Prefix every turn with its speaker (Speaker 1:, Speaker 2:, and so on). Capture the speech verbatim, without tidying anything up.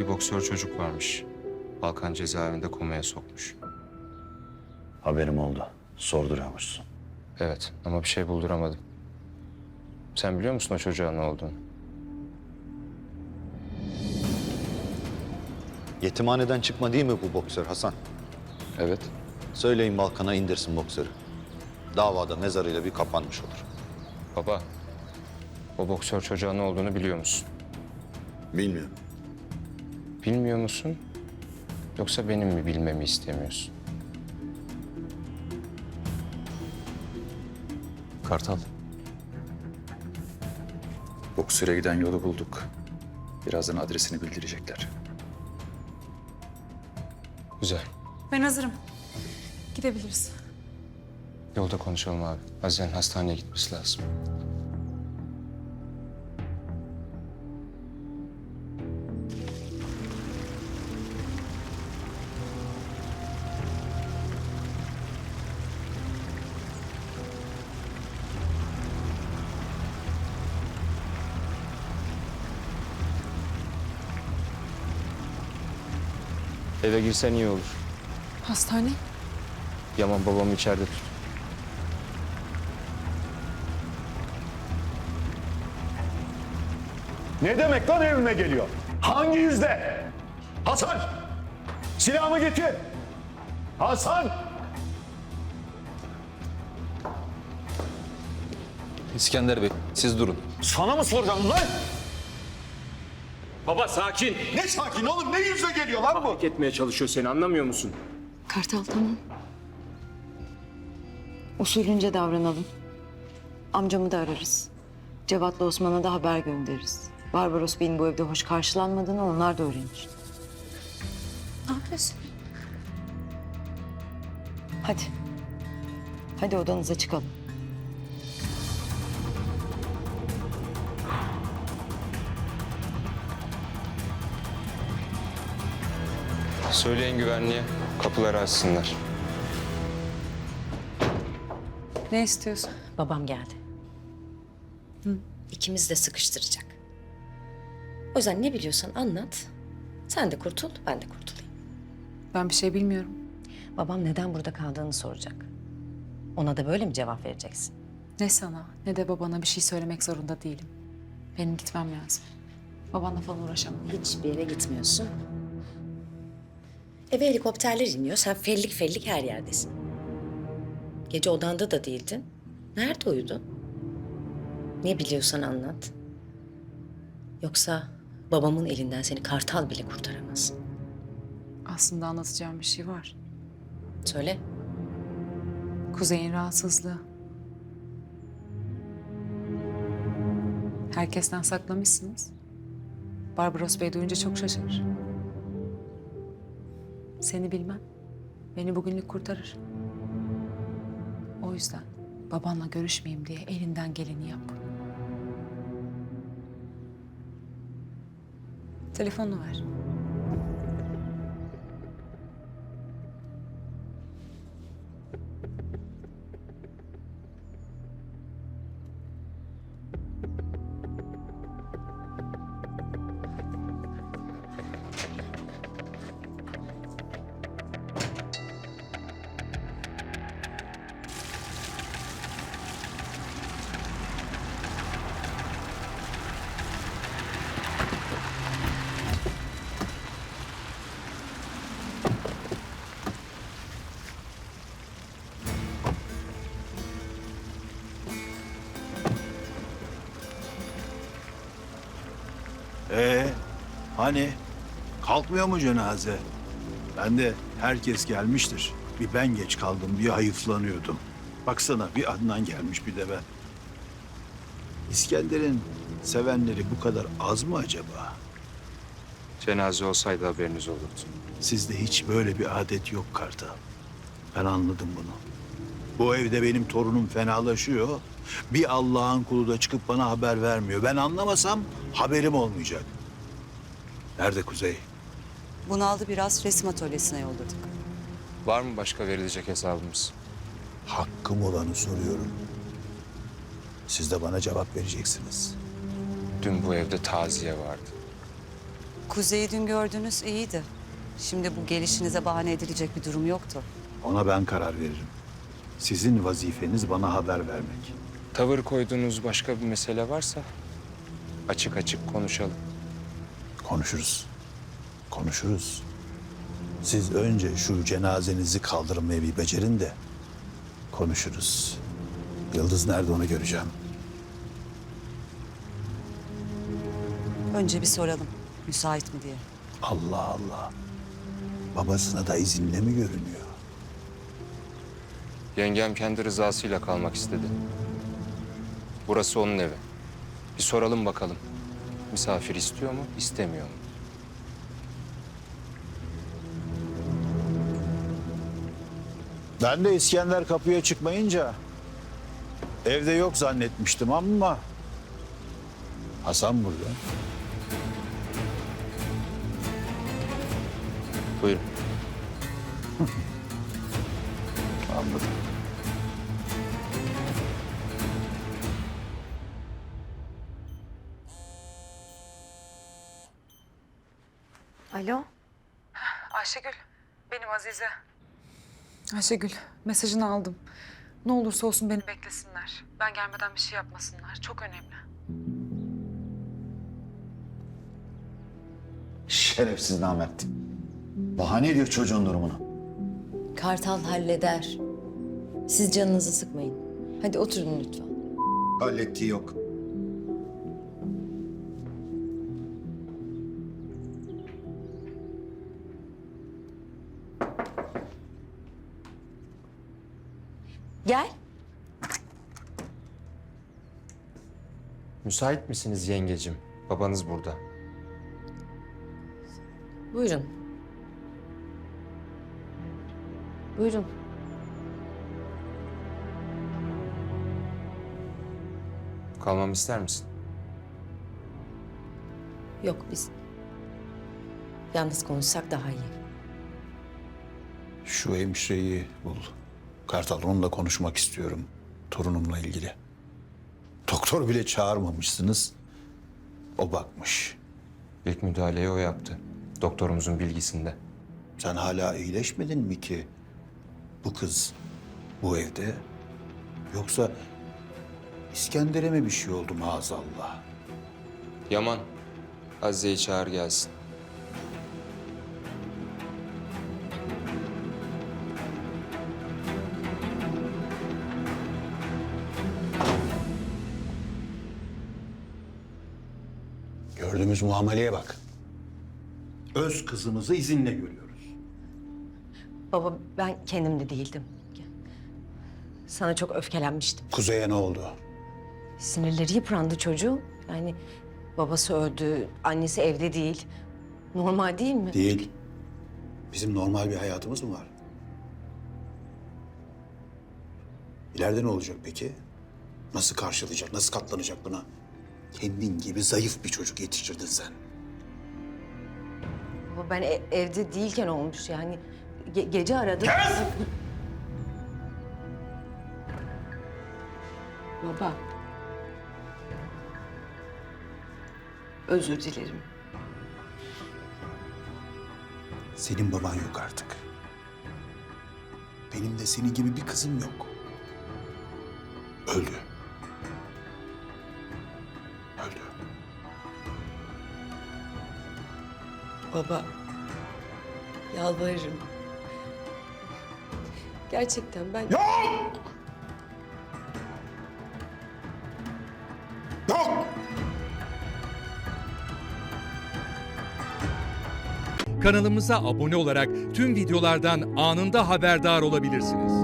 Speaker 1: bir boksör çocuk varmış. Balkan cezaevinde komaya sokmuş.
Speaker 2: Haberim oldu. Sorduruyormuşsun.
Speaker 1: Evet ama bir şey bulduramadım. Sen biliyor musun o çocuğa ne olduğunu?
Speaker 2: Yetimhaneden çıkma değil mi bu boksör Hasan?
Speaker 1: Evet.
Speaker 2: Söyleyin Balkan'a indirsin boksörü. Davada mezarıyla bir kapanmış olur.
Speaker 1: Baba, o boksör çocuğa ne olduğunu biliyor musun?
Speaker 2: Bilmiyorum.
Speaker 1: Bilmiyor musun? Yoksa benim mi bilmemi istemiyorsun?
Speaker 3: Kartal. Boksör'e giden yolu bulduk. Birazdan adresini bildirecekler.
Speaker 1: Güzel.
Speaker 4: Ben hazırım. Gidebiliriz.
Speaker 1: Yolda konuşalım abi. Azize'nin hastaneye gitmesi lazım. Eve girsen iyi olur.
Speaker 4: Hastane?
Speaker 1: Yaman babamı içeride tut.
Speaker 5: Ne demek lan evime geliyor? Hangi yüzde? Hasan! Silahımı getir! Hasan!
Speaker 3: İskender Bey, siz durun.
Speaker 5: Sana mı soracağım lan?
Speaker 6: Baba sakin.
Speaker 5: Ne sakin oğlum, ne yüzle geliyor lan bu?
Speaker 6: Hak etmeye çalışıyor seni, anlamıyor musun?
Speaker 7: Kartal tamam. Usulünce davranalım. Amcamı da ararız. Cevat'la Osman'a da haber göndeririz. Barbaros Bey'in bu evde hoş karşılanmadığını onlar da öğrenir.
Speaker 4: Ne yapıyorsun?
Speaker 7: Hadi. Hadi odanıza çıkalım.
Speaker 1: Söyleyin güvenliğe, kapıları açsınlar.
Speaker 4: Ne istiyorsun?
Speaker 8: Babam geldi. İkimiz de sıkıştıracak. O yüzden ne biliyorsan anlat. Sen de kurtul, ben de kurtulayım.
Speaker 4: Ben bir şey bilmiyorum.
Speaker 8: Babam neden burada kaldığını soracak. Ona da böyle mi cevap vereceksin?
Speaker 4: Ne sana ne de babana bir şey söylemek zorunda değilim. Benim gitmem lazım. Babanla falan uğraşamam.
Speaker 8: Hiçbir yere gitmiyorsun. Eve helikopterler iniyor. Sen fellik fellik her yerdesin. Gece odanda da değildin. Nerede uyudun? Ne biliyorsan anlat. Yoksa babamın elinden seni kartal bile kurtaramaz.
Speaker 4: Aslında anlatacağım bir şey var.
Speaker 8: Söyle.
Speaker 4: Kuzey'in rahatsızlığı. Herkesten saklamışsınız. Barbaros Bey duyunca çok şaşırır. Seni bilmem. Beni bugünlük kurtarır. O yüzden babanla görüşmeyeyim diye elinden geleni yap. Telefonunu ver.
Speaker 9: Ee, hani kalkmıyor mu cenaze? Ben de herkes gelmiştir. Bir ben geç kaldım diye hayıflanıyordum. Baksana bir Adnan gelmiş bir de ben. İskender'in sevenleri bu kadar az mı acaba?
Speaker 1: Cenaze olsaydı haberiniz olurdu.
Speaker 9: Sizde hiç böyle bir adet yok Kartal. Ben anladım bunu. Bu evde benim torunum fenalaşıyor. Bir Allah'ın kulu da çıkıp bana haber vermiyor. Ben anlamasam haberim olmayacak. Nerede Kuzey?
Speaker 10: Bunaldı biraz, resim atölyesine yolladık.
Speaker 1: Var mı başka verilecek hesabımız?
Speaker 9: Hakkım olanı soruyorum. Siz de bana cevap vereceksiniz.
Speaker 1: Dün bu evde taziye vardı.
Speaker 10: Kuzey'i dün gördünüz iyiydi. Şimdi bu gelişinize bahane edilecek bir durum yoktu.
Speaker 9: Ona ben karar veririm. Sizin vazifeniz bana haber vermek.
Speaker 1: Tavır koyduğunuz başka bir mesele varsa açık açık konuşalım.
Speaker 9: Konuşuruz. Konuşuruz. Siz önce şu cenazenizi kaldırmayı bir becerin de konuşuruz. Yıldız nerede onu göreceğim.
Speaker 10: Önce bir soralım. Müsait mi diye.
Speaker 9: Allah Allah. Babasına da izinle mi görünüyor?
Speaker 1: Yengem kendi rızasıyla kalmak istedi. Burası onun evi. Bir soralım bakalım. Misafir istiyor mu, istemiyor mu?
Speaker 9: Ben de İskender kapıya çıkmayınca evde yok zannetmiştim ama Hasan burada.
Speaker 1: Buyurun.
Speaker 9: Anladım.
Speaker 7: Alo?
Speaker 4: Ayşegül, benim Azize. Ayşegül, mesajını aldım. Ne olursa olsun beni beklesinler. Ben gelmeden bir şey yapmasınlar. Çok önemli.
Speaker 2: Şerefsiz namert. Bahane ediyor çocuğun durumunu.
Speaker 8: Kartal halleder. Siz canınızı sıkmayın. Hadi oturun lütfen.
Speaker 2: Hallettiği yok.
Speaker 8: Gel.
Speaker 1: Müsait misiniz yengecim? Babanız burada.
Speaker 8: Buyurun. Buyurun.
Speaker 1: Kalmamı ister misin?
Speaker 8: Yok biz. Yalnız konuşsak daha iyi.
Speaker 9: Şu hemşireyi bul. Kartal, onunla konuşmak istiyorum. Torunumla ilgili. Doktor bile çağırmamışsınız. O bakmış.
Speaker 1: İlk müdahaleyi o yaptı. Doktorumuzun bilgisinde.
Speaker 9: Sen hala iyileşmedin mi ki? Bu kız bu evde. Yoksa İskender'e mi bir şey oldu maazallah?
Speaker 1: Yaman, Azize'yi çağır gelsin.
Speaker 9: Gördüğümüz muameleye bak. Öz kızımızı izinle görüyoruz.
Speaker 8: Baba ben kendimde değildim. Sana çok öfkelenmiştim.
Speaker 9: Kuzey'e ne oldu?
Speaker 8: Sinirleri yıprandı çocuğun. Yani babası öldü, annesi evde değil. Normal değil mi?
Speaker 9: Değil. Bizim normal bir hayatımız mı var? İleride ne olacak peki? Nasıl karşılayacak, nasıl katlanacak buna? Kendin gibi zayıf bir çocuk yetiştirdin sen.
Speaker 8: Baba ben e- evde değilken olmuş yani. Ge- gece aradım. Baba. Özür dilerim.
Speaker 9: Senin baban yok artık. Benim de senin gibi bir kızım yok. Öldü. Öldü.
Speaker 8: Baba. Yalvarırım. Gerçekten ben...
Speaker 5: Yok! Yok!
Speaker 11: Kanalımıza abone olarak tüm videolardan anında haberdar olabilirsiniz.